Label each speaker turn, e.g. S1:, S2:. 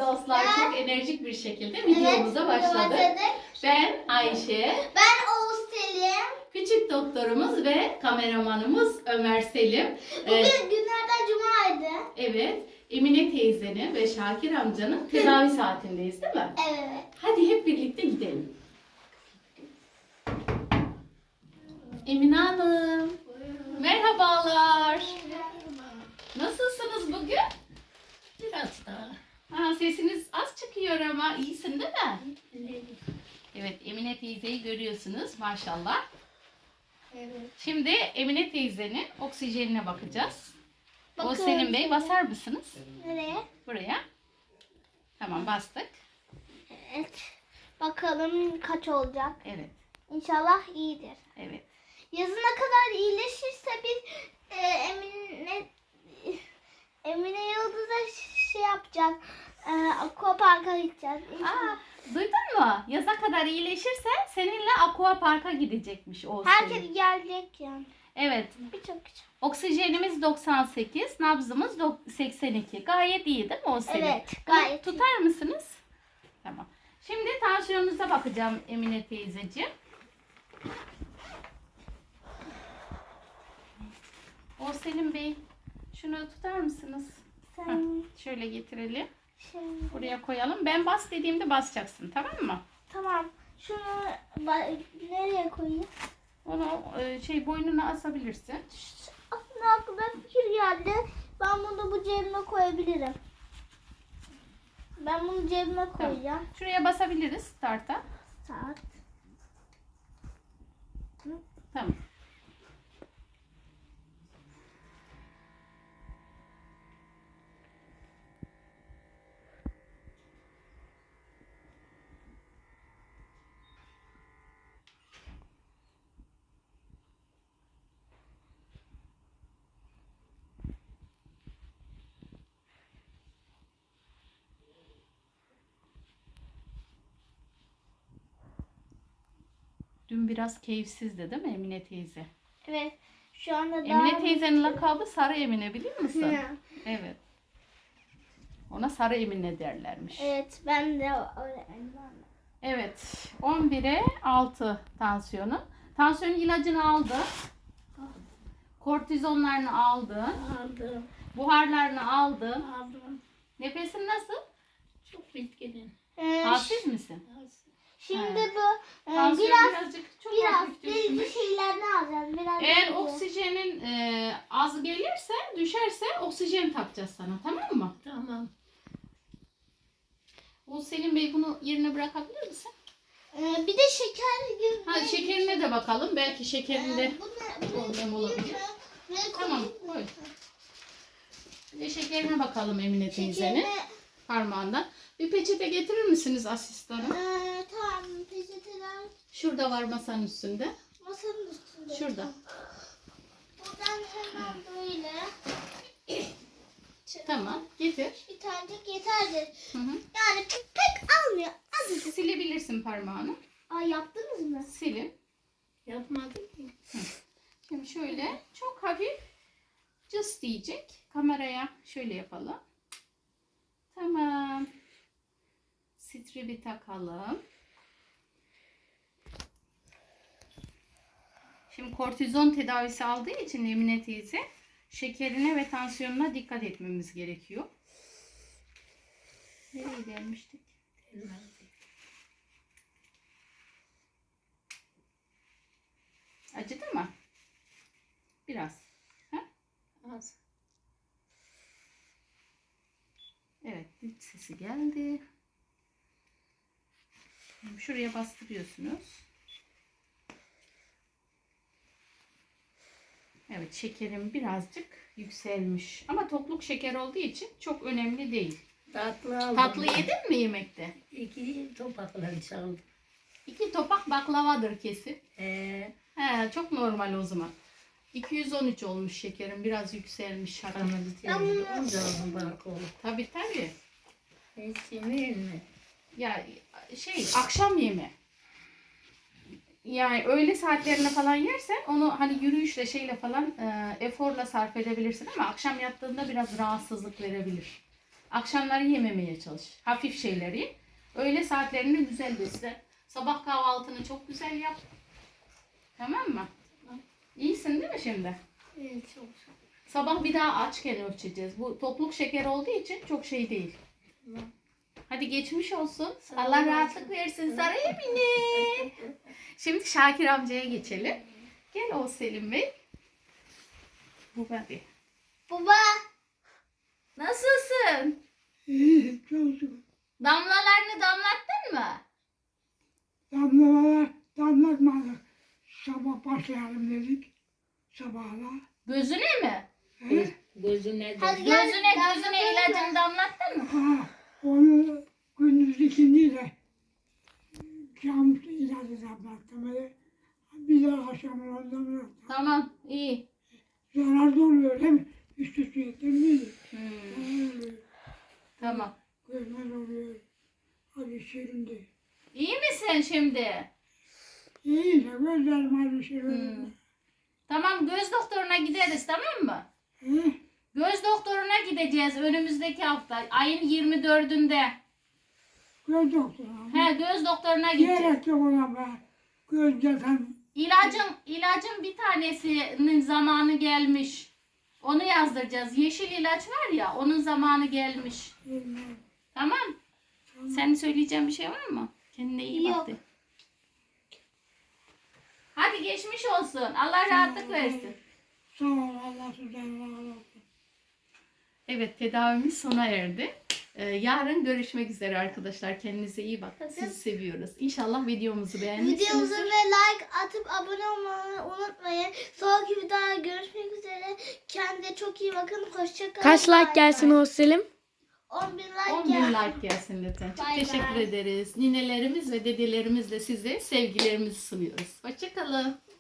S1: dostlar, çok enerjik bir şekilde videomuza başladık. Ben Ayşe.
S2: Ben Oğuz Selim.
S1: Küçük doktorumuz ve kameramanımız Ömer Selim.
S2: Bugün günlerden cumaydı.
S1: Evet, Emine teyzenin ve Şakir amcanın tedavi saatindeyiz değil mi?
S2: Evet.
S1: Hadi hep birlikte gidelim. Emine Hanım. Merhabalar. Nasılsınız bugün?
S3: Biraz daha.
S1: Sesiniz az çıkıyor ama iyisin değil mi? Evet, Emine teyzeyi görüyorsunuz maşallah.
S2: Evet.
S1: Şimdi Emine teyzenin oksijenine bakacağız. O
S2: Bakın.
S1: Selim Bey basar mısınız?
S2: Nereye?
S1: Buraya. Tamam, bastık.
S2: Evet. Bakalım kaç olacak.
S1: Evet,
S2: İnşallah iyidir.
S1: evet.
S2: Yazına kadar iyileşirse biz Emine Yıldız'a şey yapacak. Aquapark'a gideceğiz. İnşallah.
S1: Duydun mu? Yaza kadar iyileşirse seninle Aqua Park'a gidecekmiş o Selim.
S2: Herkes gelecek yani.
S1: Evet.
S2: Birçok kişi.
S1: Oksijenimiz 98, nabzımız 82. Gayet iyi değil mi o Selim?
S2: Evet,
S1: Bunu
S2: gayet iyi.
S1: tutar mısınız? Tamam. Şimdi tansiyonunuza bakacağım Emine teyzeciğim. O Selim Bey, şunu tutar mısınız?
S2: Sen
S1: Şöyle getirelim.
S2: şimdi.
S1: Buraya koyalım. Ben bas dediğimde basacaksın, tamam mı?
S2: Tamam. Şunu nereye koyayım?
S1: Onu boynuna asabilirsin.
S2: Aslında aklıma fikir geldi. Ben bunu bu cebime koyabilirim. Ben bunu cebime koyacağım.
S1: Şuraya basabiliriz start'a.
S2: Saat.
S1: Tamam. Dün biraz keyifsizdi değil mi Emine teyze?
S2: Evet. Şu anda
S1: Emine teyzenin lakabı Sarı Emine, biliyor musun?
S2: Hı.
S1: Evet. Ona Sarı Emine derlermiş.
S2: Evet. Ben de öğretmenim.
S1: Evet. 11'e 6 tansiyonu. Tansiyon ilacını aldın. Kortizonlarını aldın.
S3: Aldım.
S1: Buharlarını aldın.
S3: Aldım.
S1: Nefesin nasıl?
S3: Çok bitkinim.
S1: Halsiz misin?
S2: Şimdi
S1: Evet.
S2: bu
S1: Tansiyon birazcık çok hafif
S2: biraz
S1: düşmüş.
S2: bir şeylerini alacağız. Biraz
S1: Eğer
S2: biraz-
S1: oksijenin az gelirse, düşerse oksijen takacağız sana, tamam mı?
S3: Tamam.
S1: O Selim Bey, bunu yerine bırakabilir misin?
S2: Bir de şeker gibi.
S1: Şekerine de bakalım. Belki şekerinde
S2: Bu ne?
S1: problem olabilir.
S2: Ne
S1: Tamam, koy. Bir de şekerine bakalım Emine teyzenin
S2: Şekerine.
S1: parmağından. Bir peçete getirir misiniz asistanım?
S2: Tamam. Peçeteler
S1: Şurada var masanın üstünde.
S2: masanın üstünde.
S1: Şurada.
S2: Buradan hemen böyle.
S1: Tamam, getir.
S2: Bir tanecik yeterli.
S1: Hı hı.
S2: Yani pek almıyor. Azıcık.
S1: Silebilirsin parmağını.
S2: Yaptınız mı?
S1: Silin.
S3: Yapmadım ki.
S1: Şimdi şöyle çok hafif cıs diyecek. Kameraya şöyle yapalım. Tamam. Stribi takalım. Şimdi kortizon tedavisi aldığı için Emine teyze şekerine ve tansiyonuna dikkat etmemiz gerekiyor. Nereye gelmiştik? Acıdı mı? Biraz. Ha?
S3: Az.
S1: Evet, iç sesi geldi. Şuraya bastırıyorsunuz. Evet, şekerim birazcık yükselmiş. Ama tokluk şeker olduğu için çok önemli değil.
S3: Tatlı aldım.
S1: Tatlı yedin mi yemekte?
S3: 2 topakla çaldım.
S1: 2 topak baklavadır kesin.
S3: He,
S1: Çok normal o zaman. 213 olmuş şekerim. Biraz yükselmiş.
S3: kanı bitirdim. Onca aldım balkonu.
S1: Tabii tabii.
S3: Hiç yemeyeyim mi?
S1: Ya akşam yeme. Yani öğle saatlerine falan yersen onu hani yürüyüşle eforla sarf edebilirsin ama akşam yattığında biraz rahatsızlık verebilir. Akşamları yememeye çalış. Hafif şeyleri. Öğle saatlerinde güzel besle. Sabah kahvaltını çok güzel yap. Tamam mı? İyisin değil mi şimdi?
S2: Evet, çok.
S1: Sabah bir daha açken ölçeceğiz. Bu topluk şeker olduğu için çok şey değil.
S2: Tamam.
S1: Hadi geçmiş olsun.
S2: Sağ
S1: Allah
S2: ol.
S1: rahatlık versin sana Emine. Şimdi Şakir amcaya geçelim. Gel o Selim Bey. Bu hadi.
S2: Baba.
S1: Nasılsın?
S4: İyi, çocuk.
S1: Damlalarını damlattın mı?
S4: Damlatmadık. Sabah başlayalım dedik. Sabahla.
S1: Gözüne mi?
S4: He?
S3: Gözüne de.
S2: Hadi gel.
S1: Gözüne ilacını damlattın mı?
S4: Ha, onu gündüz ikindi de cam ilacı damlattım. Öyle. Bir de akşamına damlattım.
S1: Tamam, iyi.
S4: Zararlı oluyor değil mi? Üst üste yedim
S1: Tamam.
S4: Görmez oluyor. Hadi şirindi.
S1: İyi misin şimdi?
S4: İyi de gözlerim hadi şirindi.
S1: Tamam, göz doktoruna gideriz, tamam mı?
S4: He?
S1: Göz doktoruna gideceğiz önümüzdeki hafta. Ayın 24'ünde.
S4: Göz doktoru.
S1: He, göz doktoruna gideceğiz.
S4: Gerek yok ona be. Göz zaten
S1: İlacın bir tanesinin zamanı gelmiş. Onu yazdıracağız. Yeşil ilaç var ya, onun zamanı gelmiş.
S4: bilmem.
S1: Tamam. Senin söyleyeceğin bir şey var mı? Kendine iyi bak
S2: Yok.
S1: de. Hadi geçmiş olsun. Allah rahatlık versin.
S4: Sağ ol Allah sizden razı olsun.
S1: Evet, tedavimiz sona erdi. Yarın görüşmek üzere arkadaşlar. Kendinize iyi bakın. Sizi seviyoruz. İnşallah videomuzu
S2: Videomuza
S1: beğenmişsinizdir.
S2: ve like atıp abone olmayı unutmayın. Sonraki videoda görüşmek üzere. Kendinize çok iyi bakın. Hoşçakalın.
S5: Kaç like gelsin o Selim?
S2: 10.000 like
S1: 10.000
S2: gelsin.
S1: like gelsin lütfen. Çok
S2: Bay
S1: teşekkür
S2: bay.
S1: ederiz. Ninelerimiz ve dedelerimizle size sevgilerimizi sunuyoruz. Hoşçakalın.